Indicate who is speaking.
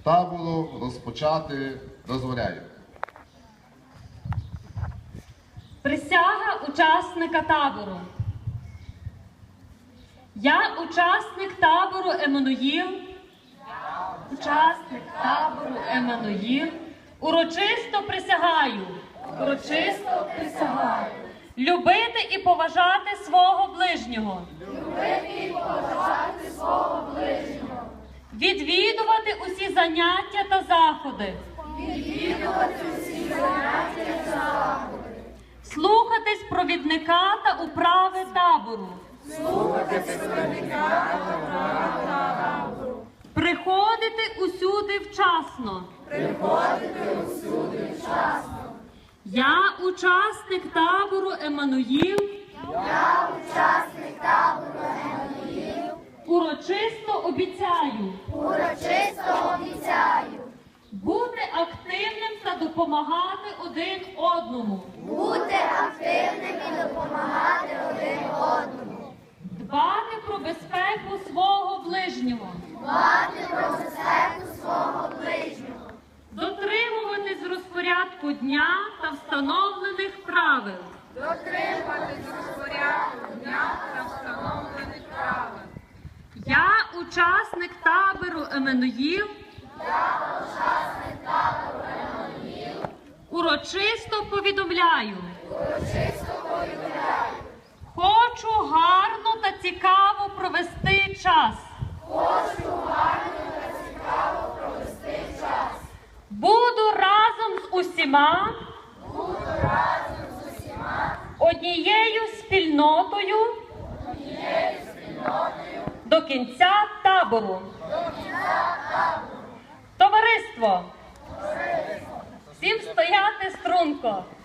Speaker 1: табору розпочати дозволяю.
Speaker 2: Присяга учасника табору. Я учасник табору Еммануїл, урочисто присягаю, любити і поважати свого ближнього, відвідувати усі заняття та заходи, слухатись провідника та управи табору, приходити усюди вчасно. Я учасник табору Еммануїл, урочисто обіцяю бути активним та допомагати один одному, дбати про безпеку свого ближнього, дотримуватись розпорядку дня та встановлених правил. Я учасник табору Еммануїл, урочисто повідомляю, хочу гарно та цікаво провести час. Буду разом з усіма, однією спільнотою до кінця табору. Товариство! Всім стояти струнко!